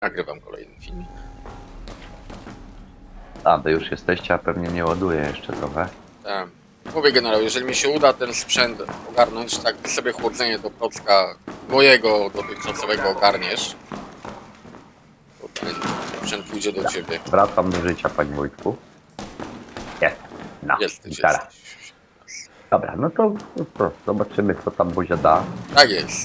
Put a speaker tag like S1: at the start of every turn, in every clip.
S1: Nagrywam kolejny film.
S2: A, wy już jesteście, a pewnie nie ładuję jeszcze trochę.
S1: Tak. Mówię generał, jeżeli mi się uda ten sprzęt ogarnąć, tak sobie chłodzenie do klocka mojego dotychczasowego ogarniesz, to ten sprzęt pójdzie do ciebie.
S2: Wracam do życia, panie Wojtku. Jest. No, gitara.
S1: Jesteś.
S2: Dobra, no to zobaczymy, co tam Buzia da.
S1: Tak jest.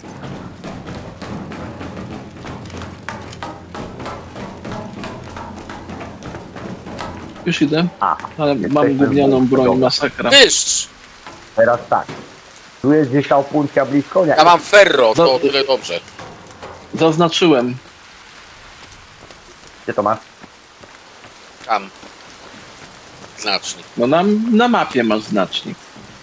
S3: Już idę,
S2: A,
S3: ale
S2: jesteśmy
S3: mam gównianą
S2: w-
S3: broń,
S2: dobra.
S3: masakra.
S1: Tyszcz!
S2: Teraz tak. Tu jest gdzieś ta opuncja blisko, nie?
S1: Ja mam ferro, to
S3: No.
S1: o tyle dobrze.
S3: Zaznaczyłem.
S2: Gdzie to masz?
S1: Tam. Znacznik.
S3: No na mapie masz znacznik.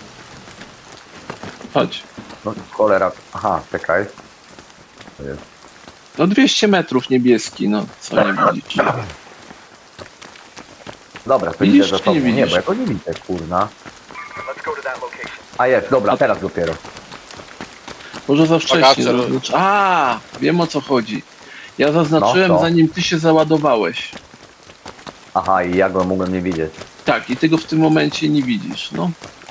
S3: Chodź.
S2: No cholera. Aha, czekaj. To jest.
S3: No 200 metrów niebieski, no co nie widzisz?
S2: Dobra, to
S3: Widzisz,
S2: idę za
S3: czy
S2: tobą.
S3: nie
S2: Nie,
S3: widzisz?
S2: bo ja go nie widzę, kurna. A jest, dobra, teraz dopiero.
S3: Może za wcześnie.
S1: Bagaże.
S3: A, wiem o co chodzi. Ja zaznaczyłem
S2: No, to.
S3: zanim ty się załadowałeś.
S2: Aha, i ja go mogłem nie widzieć.
S3: Tak, i ty go w tym momencie nie widzisz, no.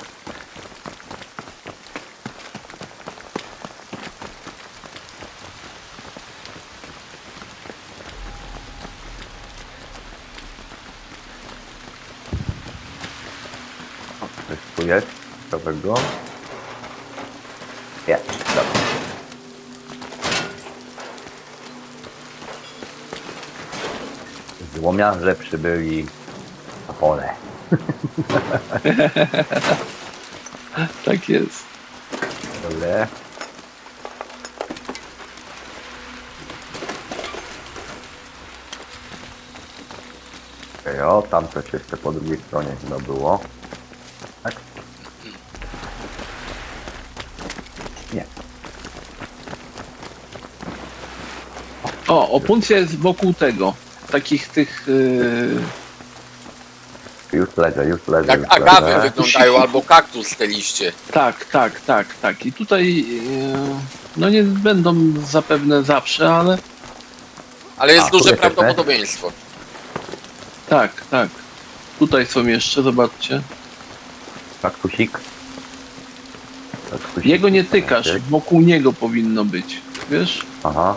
S2: O, coś tu jest. Ciekawego. Jest, dobra. Złomiarze przybyli na pole.
S3: Tak jest.
S2: Dobre. Okej, o, tam coś jeszcze po drugiej stronie chyba było. Tak? Nie.
S3: O, opuncja jest wokół tego. Takich tych...
S2: Już leżę, już leżę.
S1: Jak
S2: już
S1: agawy
S2: leżę.
S1: wyglądają, albo kaktus te liście.
S3: Tak. I tutaj... no nie będą zapewne zawsze, ale...
S1: Ale jest
S2: A,
S1: duże
S2: tu jest
S1: prawdopodobieństwo.
S3: Tak. Tutaj są jeszcze, zobaczcie.
S2: Kaktusik. Kaktusik.
S3: Jego nie tykasz, wokół niego powinno być. Wiesz?
S2: Aha.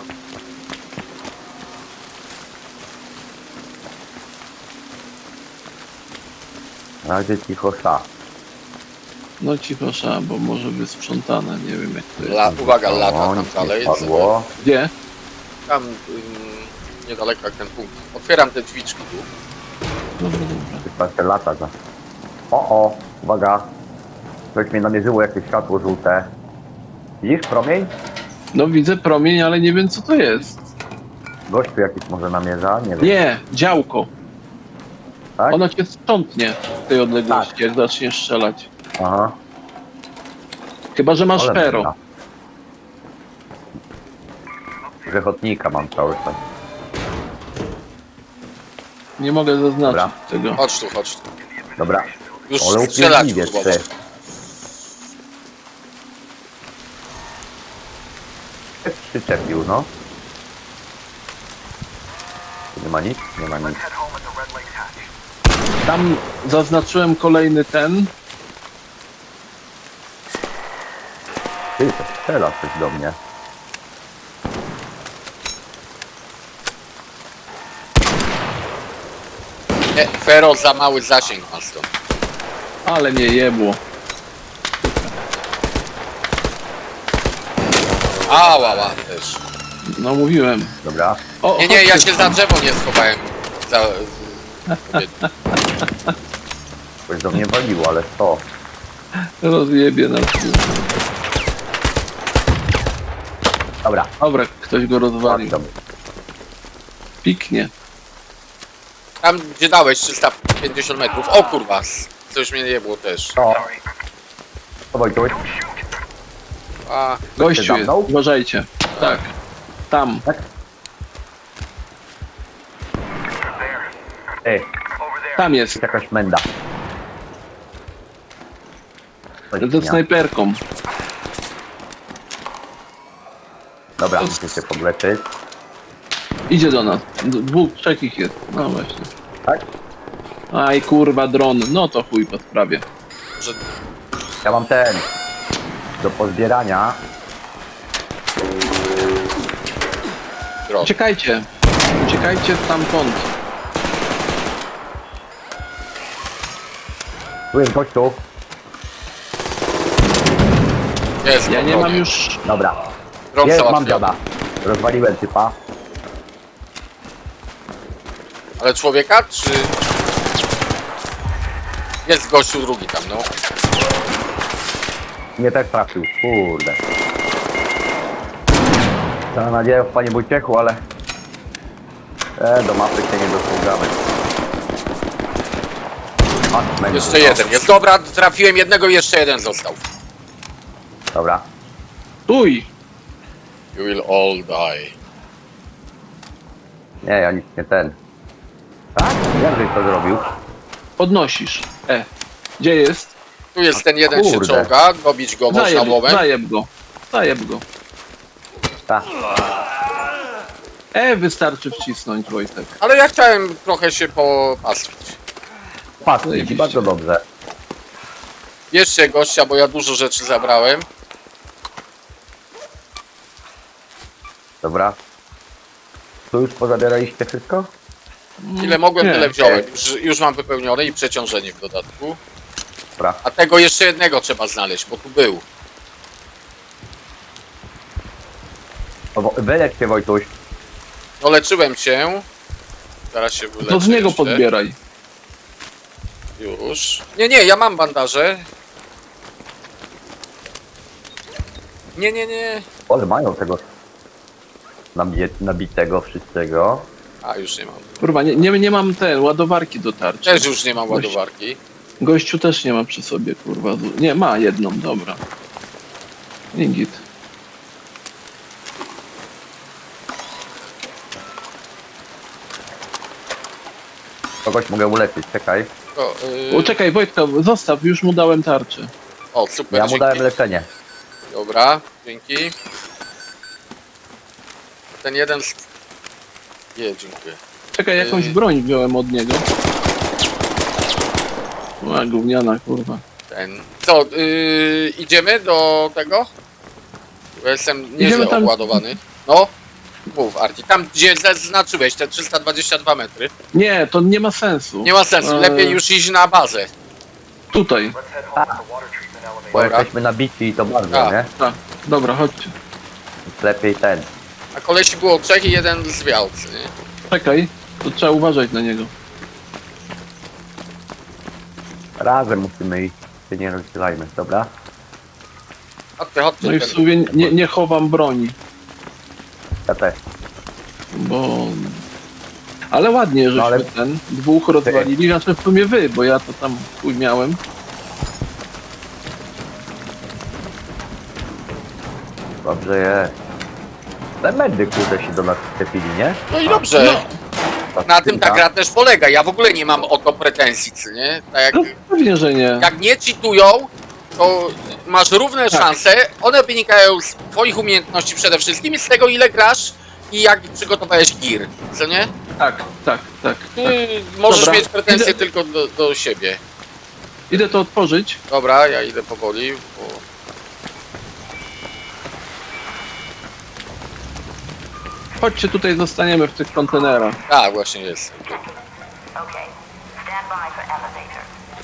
S2: Na razie cicho sa.
S3: No cicho, bo może wysprzątane, nie wiem jak to jest.
S1: Uwaga, lata
S2: O,
S1: tam
S2: nic
S1: dalej.
S2: nie padło.
S3: Gdzie?
S1: Tam niedaleko jak ten punkt. Otwieram te drzwiczki tu.
S3: Dobra.
S2: Chyba te lata za. O, uwaga. Coś mi namierzyło jakieś światło żółte. Widzisz promień?
S3: No widzę promień, ale nie wiem co to jest.
S2: Gościu jakiś może namierza? Nie wiem.
S3: Nie, działko.
S2: Tak?
S3: Ono cię sprzątnie w tej odległości,
S2: Tak.
S3: jak zaczniesz strzelać.
S2: Aha.
S3: Chyba, że masz
S2: Ale
S3: pero.
S2: dobra. Grzechotnika mam cały czas.
S3: Nie mogę zaznaczyć
S2: Dobra.
S3: tego.
S1: Chodź tu.
S2: Dobra.
S1: Już
S2: Ale
S1: strzelać
S2: upierdliwie
S1: próbował.
S2: ty. Przyczepił, no. Nie ma nic? Nie ma nic.
S3: Tam zaznaczyłem kolejny ten.
S2: Ty, to strzela coś do mnie.
S1: Nie, Fero za mały zasięg ma stąd.
S3: Ale mnie jebło.
S1: Ała też.
S3: No mówiłem.
S2: Dobra.
S3: O,
S1: Nie, ja
S3: chodźcie
S1: się za
S3: tam.
S1: drzewo nie schowałem.
S2: Coś do mnie waliło, ale co?
S3: Rozjebie nas.
S2: Dobra.
S3: Dobra, ktoś go rozwalił.
S2: Dobra.
S3: Piknie.
S1: Tam gdzie dałeś 350 metrów. O kurwa, coś mnie nie było też.
S2: No. To Wojtuś.
S1: A,
S3: Gościu
S2: za
S3: jest,
S2: mną?
S3: uważajcie. Tak. Tam.
S2: Tak? Ej,
S3: Tam jest.
S2: jest jakaś menda. Coś
S3: Ze
S2: dnia.
S3: snajperką.
S2: Dobra, muszę się podleczyć.
S3: Idzie do nas. Dwóch, trzech ich jest. No właśnie.
S2: Tak?
S3: Aj kurwa dron. No to chuj po sprawie.
S1: Że
S2: Ja mam ten. Do pozbierania.
S1: dron.
S3: Uciekajcie. Uciekajcie stamtąd.
S2: Tu jest gościu.
S1: Jest,
S3: Ja
S1: po
S3: nie mam
S1: dronie.
S3: już...
S2: Dobra.
S1: Dron
S2: Jest, mam
S1: załatwiony.
S2: dziada. Rozwaliłem typa.
S1: Ale człowieka, czy... Jest gościu drugi tam, no.
S2: Mnie też trafił. Kurde. Mam nadzieję w Panie Wojciechu, ale... do mapy się nie dostrzegamy.
S1: Jeszcze jeden jest. Dobra, trafiłem jednego, jeszcze jeden został.
S2: Dobra.
S3: Tuj!
S1: You will all die.
S2: Nie, ja nic nie ten. Tak? Jak żeś to zrobił?
S3: Podnosisz. Gdzie jest?
S1: Tu jest ten jeden się
S2: Kurde.
S1: czołga, dobić go można łomem.
S3: Zajeb go. Zajeb go.
S2: Tak.
S3: Wystarczy wcisnąć, Wojtek.
S1: Ale ja chciałem trochę się popastwić.
S2: Patrz,
S3: Zajebiście.
S2: bardzo dobrze.
S1: Bierzcie gościa, bo ja dużo rzeczy zabrałem.
S2: Dobra. Tu już pozabieraliście wszystko?
S1: Ile mogłem,
S3: Nie.
S1: tyle wziąłem. Już mam wypełnione i przeciążenie w dodatku.
S2: Dobra.
S1: A tego jeszcze jednego trzeba znaleźć, bo tu był.
S2: Wylecz się, Wojtuś.
S1: No leczyłem cię. Zaraz się wyleczę
S3: To z niego
S1: jeszcze.
S3: podbieraj.
S1: Już. Nie, ja mam bandaże. Nie.
S2: Ale mają tego nabitego wszystkiego.
S1: A, już nie mam.
S3: Kurwa, nie mam ładowarki do tarczy.
S1: Też już nie mam ładowarki.
S3: Gościu też nie ma przy sobie, kurwa. Nie, ma jedną, dobra. Ingit.
S2: Kogoś mogę uleczyć, czekaj.
S1: O,
S3: O, czekaj, Wojtka, zostaw, już mu dałem tarczę.
S1: o super,
S2: Ja mu
S1: dzięki.
S2: dałem leczenie.
S1: Dobra, dzięki. Ten jeden... dziękuję.
S3: Czekaj, jakąś broń wziąłem od niego. A, gówniana, kurwa.
S1: Ten... Co, idziemy do tego? Bo jestem nieźle
S3: tam-
S1: obładowany. No, mów Arti. Tam gdzie zaznaczyłeś te 322 metry.
S3: Nie, to nie ma sensu.
S1: Nie ma sensu, lepiej już iść na bazę.
S3: Tutaj.
S2: Bo
S1: Dobra.
S2: jesteśmy nabici i to bardzo,
S1: Tak.
S2: nie?
S3: Tak, dobra, chodźcie.
S2: Więc lepiej ten.
S1: A kolesi było 3 i jeden zwiał, co nie?
S3: Czekaj, to trzeba uważać na niego.
S2: Razem musimy iść. Się nie rozdzielajmy, dobra?
S1: Chodźcie, chodźcie.
S3: No i w
S1: ten-
S3: sumie nie chowam broni,
S2: Ja też.
S3: bo... Ale ładnie, żeśmy
S2: ale-
S3: dwóch rozwalili, znaczy w sumie wy, bo ja to tam chuj miałem.
S2: Dobrze jest. Te medy kurde się do nas wstepili, nie?
S1: No i dobrze.
S3: No,
S1: Na tym ta gra też polega. Ja w ogóle nie mam o to pretensji, co nie? Tak jak,
S3: no pewnie, że nie.
S1: jak nie cheatują, to masz równe
S3: Tak.
S1: szanse. One wynikają z twoich umiejętności przede wszystkim i z tego, ile grasz i jak przygotowałeś gear, co nie?
S3: Tak.
S1: Możesz
S3: Dobra.
S1: mieć pretensje
S3: Idę-
S1: tylko do siebie.
S3: Idę to otworzyć.
S1: Dobra, ja idę powoli, bo...
S3: Chodźcie, tutaj zostaniemy w tych kontenerach.
S1: Tak, właśnie jest.
S4: Okay. Stand by for elevator.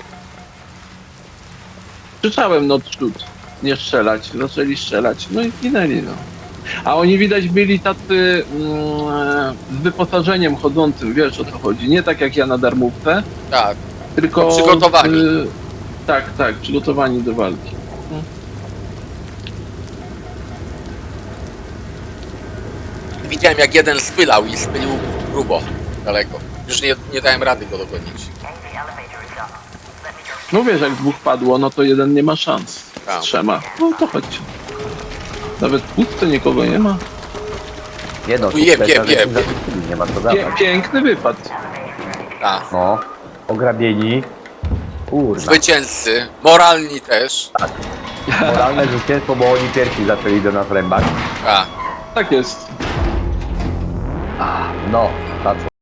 S3: Krzyczałem no przód, nie strzelać. Zaczęli strzelać, no i ginęli, no. A oni widać byli tacy z wyposażeniem chodzącym, wiesz o co chodzi. Nie tak jak ja na darmówce,
S1: Tak.
S3: tylko...
S1: No, przygotowani.
S3: Tak, przygotowani do walki.
S1: Widziałem, jak jeden spylał i spylił grubo, daleko. Już nie dałem rady go dogonić.
S4: The elevator is up. Let me go.
S3: No wiesz, jak dwóch padło, no to jeden nie ma szans.
S1: Tak.
S3: Z trzema. No to chodźcie. Nawet pusto nikogo nie ma.
S2: Nie no, tu
S1: Jeb,
S2: też
S1: jeb,
S2: żadnych
S1: jeb.
S2: zabytków nie ma co dawać.
S3: Piękny wypad.
S1: Tak.
S2: No. Ograbieni. Kurna.
S1: Zwycięzcy, moralni też.
S2: Moralne zwycięstwo, bo oni pierwsi zaczęli do nas rębać.
S1: Tak.
S3: Tak jest.
S2: No, zaczął.